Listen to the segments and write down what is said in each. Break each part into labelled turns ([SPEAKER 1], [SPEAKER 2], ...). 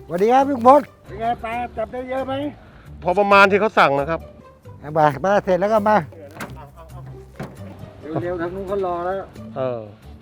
[SPEAKER 1] สวัสดีครับลุงพลเป็นไงปลาจับได้เยอะไหม
[SPEAKER 2] พอประมาณที่เขาสั่งนะครับ
[SPEAKER 1] มาเสร็จแล้วก็มาเร็วๆทางนู้นเขารอแล้ว
[SPEAKER 2] เออ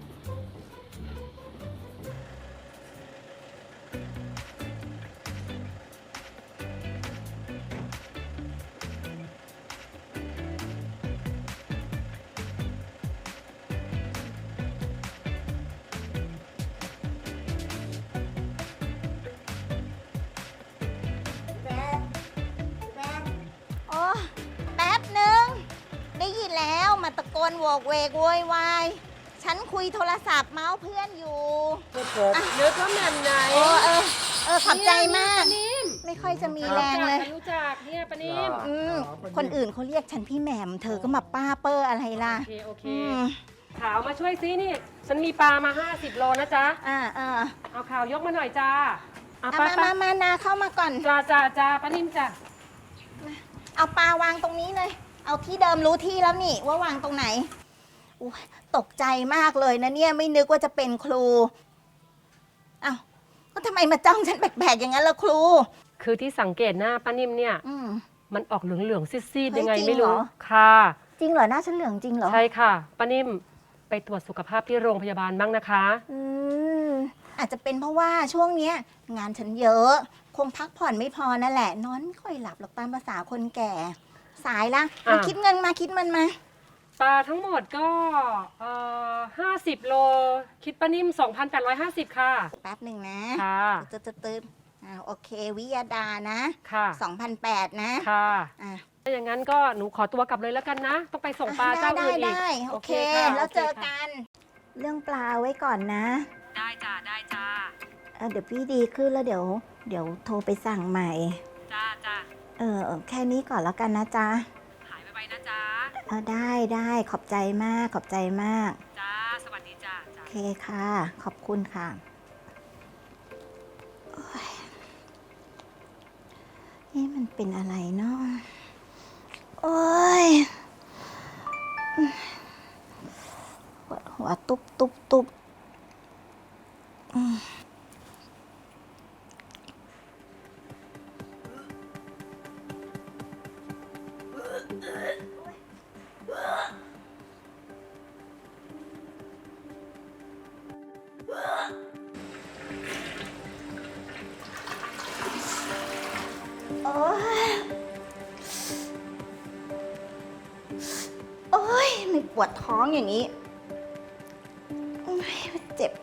[SPEAKER 3] โอ้แป๊บหนึ่งได้ยินแล้วมาตะโกนโวกเวกโวยวายฉันคุยโทรศัพท์เมาส์เพื่อนอยู่
[SPEAKER 4] เนื้อข้าวแหม่มไหน
[SPEAKER 3] ขอบใจมาก
[SPEAKER 4] ปานิ่ม
[SPEAKER 3] ไม่ค่อยจะมีแรงเลย
[SPEAKER 4] รู้จักเนี่ยปานิ่ม
[SPEAKER 3] คนอื่นเขาเรียกฉันพี่แหม่มเธอก็มาป้าเปอร์อะไรล่ะ
[SPEAKER 4] โอเค
[SPEAKER 3] อืม
[SPEAKER 4] ข่าวมาช่วยซินี่ ฉันมีปลามา50 โลนะจ๊ะ เอาข่าวยกมาหน่อยจ้าเอา
[SPEAKER 3] เอา
[SPEAKER 4] ปลา
[SPEAKER 3] มานาเข้ามาก่อน
[SPEAKER 4] จ้าปานิ่มจ้ะ
[SPEAKER 3] เอาปลาวางตรงนี้เลย เอาที่เดิมรู้ที่แล้วนี่ว่าวางตรงไหนอุ๊ยตกใจมากเลยนะเนี่ยไม่นึกว่าจะเป็นครูอ้าวก็ทำไมมาจ้องฉันแปลกๆอย่างนั้นล่ะครู
[SPEAKER 4] คือที่สังเกตหน้าป้านิ่มเนี่ย
[SPEAKER 3] อืม
[SPEAKER 4] มันออกเหลืองๆซีด
[SPEAKER 3] เฮ้
[SPEAKER 4] ๆ
[SPEAKER 3] ย
[SPEAKER 4] ยังไง
[SPEAKER 3] จริง
[SPEAKER 4] ไม่รู้
[SPEAKER 3] เหรอ
[SPEAKER 4] ค่ะ
[SPEAKER 3] จริงเหรอหน้าฉันเหลืองจริงเหรอ
[SPEAKER 4] ใช่ค่ะป้านิ่มไปตรวจสุขภาพที่โรงพยาบาลบ้างนะคะ
[SPEAKER 3] อืมอาจจะเป็นเพราะว่าช่วงเนี้ย งานฉันเยอะ คงพักผ่อนไม่พอนั่นแหละ นอนไม่ค่อยหลับหรอกตามภาษาคนแก่ สายละมาคิดเงินมาคิดมันมา
[SPEAKER 4] ปลาทั้งหมดก็50 โล คิดป้านิ่ม 2,850 ค่ะ
[SPEAKER 3] แป๊บหนึ่งนะ
[SPEAKER 4] ค่ะ
[SPEAKER 3] ตืดโอเค วิยาดานะ
[SPEAKER 4] ค่ะ
[SPEAKER 3] 2,800นะ
[SPEAKER 4] ค่ะ
[SPEAKER 3] อ่ะ
[SPEAKER 4] ถ้าอย่างนั้นก็หนูขอตัวกลับเลยแล้วกันนะ ต้องไปส่งปลาเจ้าอื่นอีก
[SPEAKER 3] ได้โอเค
[SPEAKER 4] ค่ะ
[SPEAKER 3] แล้วเจอ
[SPEAKER 4] โคค่ะ
[SPEAKER 3] กัน เรื่องปลาไว้ก่อนนะ
[SPEAKER 4] ได้จ้าได้จ้า
[SPEAKER 3] เดี๋ยวพี่ดีขึ้นแล้วเดี๋ยวโทรไปสั่งใหม่
[SPEAKER 4] จ้า
[SPEAKER 3] แค่นี้ก่อนแล้วกันนะจ๊ะ
[SPEAKER 4] หายไปนะจ้า
[SPEAKER 3] ได้ขอบใจมากขอบใจมาก
[SPEAKER 4] จ้าสวัสดีจ้า
[SPEAKER 3] โอเคค่ะ ขอบคุณค่ะโอ๊ยนี่มันเป็นอะไรเนาะโอ้ยปวดหัวตุบอืมโอ้ยไม่ปวดท้องอย่างนี้โอ้ยเจ็บ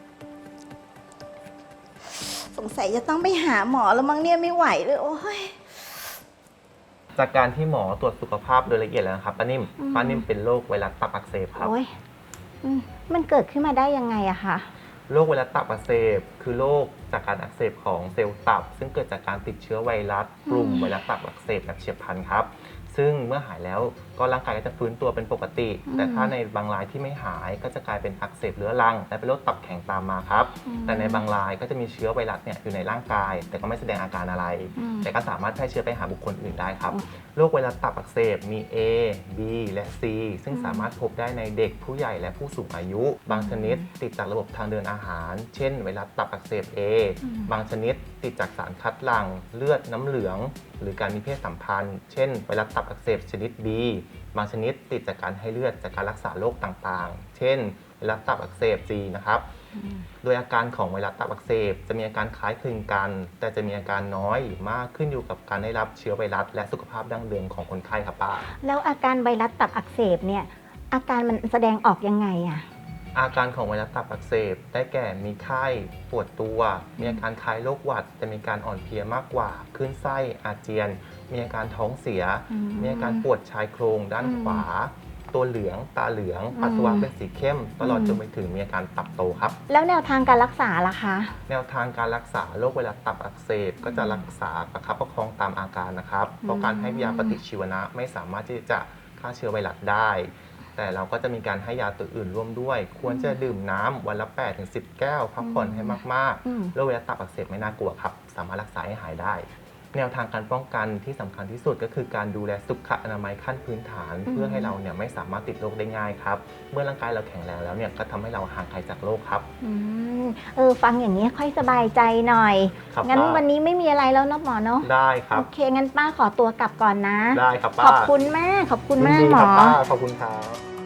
[SPEAKER 3] สงสัยจะต้องไปหาหมอแล้วมั้งเนี่ยไม่ไหวเลยโอ้ย
[SPEAKER 5] จากการที่หมอตรวจสุขภาพโดยละเอียดแล้วนะครับป้านิ่ม
[SPEAKER 3] อืม
[SPEAKER 5] ป้านิ่มเป็นโรคไวรัสตับอักเสบครับ
[SPEAKER 3] โอ้ยมันเกิดขึ้นมาได้ยังไงอะคะ
[SPEAKER 5] โรคไวรัสตับอักเสบคือโรคจากการอักเสบของเซลล์ตับ ซึ่งเกิดจากการติดเชื้อไวรัสกลุ่มไวรัสตับอักเสบแบบเฉียบพลันครับ ซึ่งเมื่อหายแล้วก็ร่างกายก็จะฟื้นตัวเป็นปกติ แต่ถ้าในบางรายที่ไม่หายก็จะกลายเป็นอักเสบเรื้อรังและเป็นโรคตับแข็งตามมาครับ แต่ในบางรายก็จะมีเชื้อไวรัสเนี่ยอยู่ในร่างกาย แต่ก็ไม่แสดงอาการอะไร แต่ก็สามารถแพร่เชื้อไปหาบุคคลอื่นได้ครับ โรคไวรัสตับอักเสบมี A B และ C ซึ่งสามารถพบได้ในเด็กผู้ใหญ่และผู้สูงอายุ บางชนิดติดจากระบบทางเดินอาหาร เช่น ไวรัสตับอักเสบ A บางชนิดติดจากสารคัดหลั่งเลือดน้ำเหลือง หรือการมีเพศสัมพันธ์ เช่น ไวรัสตับอักเสบชนิด B บางชนิดติดจากการให้เลือดจากการรักษาโรคต่างๆ เช่น ไวรัสตับอักเสบ C นะครับ โดยอาการของไวรัสตับอักเสบจะมีอาการคล้ายคลึงกัน แต่จะมีอาการน้อยหรือมากขึ้นอยู่กับการได้รับเชื้อไวรัสและสุขภาพดั้งเดิมของคนไข้ครับป้า
[SPEAKER 3] แล้วอาการไวรัสตับอักเสบเนี่ย อาการมันแสดงออกยังไงอะ
[SPEAKER 5] อาการของไวรัสตับอักเสบได้แก่มีไข้ปวดตัว มีอาการคล้ายโรคหวัดแต่มีการอ่อนเพลียมากกว่าคลื่นไส้อาเจียน มีอาการท้องเสีย มีอาการปวดชายโครงด้านขวา ตัวเหลืองตาเหลืองปัสสาวะเป็นสีเข้ม ตลอดจนไปถึงมีอาการตับโตครับ
[SPEAKER 3] แล้วแนวทางการรักษาล่ะคะ
[SPEAKER 5] แนวทางการรักษาโรคไวรัสตับอักเสบก็จะรักษาประคับประคองตามอาการนะครับ เพราะการให้ยาปฏิชีวนะไม่สามารถที่จะฆ่าเชื้อไวรัสได้ แต่เราก็จะมีการให้ยาตัวอื่นร่วมด้วย ควรจะดื่มน้ำวันละ 8-10 แก้ว พักผ่อนให้มากๆโรคไวรัสตับอักเสบไม่น่ากลัวครับ สามารถรักษาให้หายได้แนวทางการป้องกันที่สำคัญที่สุดก็คือการดูแลสุขอนามัยขั้นพื้นฐาน เพื่อให้เราเนี่ยไม่สามารถติดโรคได้ง่ายครับเมื่อร่างกายเราแข็งแรงแล้วเนี่ยก็ทำให้เราห่างไกลจากโรคครับ
[SPEAKER 3] ฟังอย่างนี้ค่อยสบายใจหน่อยงั้นวันนี้ไม่มีอะไรแล้วเนาะหมอเนาะ
[SPEAKER 5] ได้ครับ
[SPEAKER 3] โอเคงั้นป้าขอตัวกลับก่อนนะ
[SPEAKER 5] ได้ครับป้า
[SPEAKER 3] ขอบคุณมากขอบคุณมากหมอ
[SPEAKER 5] ป้าขอบคุณครับ